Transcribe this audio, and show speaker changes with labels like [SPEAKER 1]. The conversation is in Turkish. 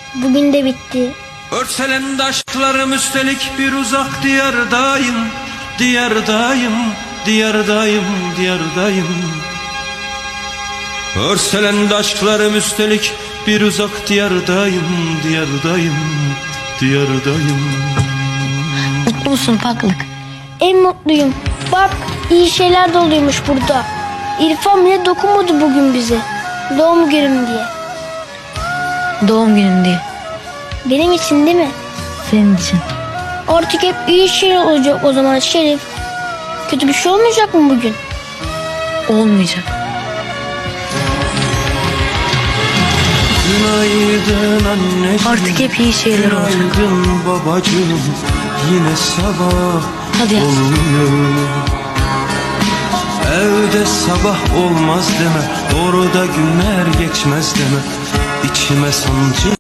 [SPEAKER 1] Bugün de bitti.
[SPEAKER 2] Örselendi aşklarım üstelik bir uzak diyardayım. Diyardayım, diyardayım, diyardayım. Örselendi aşklarım üstelik bir uzak diyardayım. Diyardayım, diyardayım.
[SPEAKER 3] Mutlu musun ufaklık?
[SPEAKER 1] En mutluyum. Bak, iyi şeyler de oluyormuş burada. İrfan bile dokunmadı bugün bize. Doğum günüm diye.
[SPEAKER 3] Doğum günün diye.
[SPEAKER 1] Benim için değil mi?
[SPEAKER 3] Senin için.
[SPEAKER 1] Artık hep iyi şeyler olacak o zaman Şerif. Kötü bir şey olmayacak mı bugün?
[SPEAKER 3] Olmayacak.
[SPEAKER 2] Günaydın anneciğim.
[SPEAKER 3] Artık hep iyi şeyler olacak.
[SPEAKER 2] Günaydın babacığım. Yine sabah
[SPEAKER 3] Hadi yat.
[SPEAKER 2] oluyor. Evde sabah olmaz deme. Orada günler geçmez deme. İçime sancı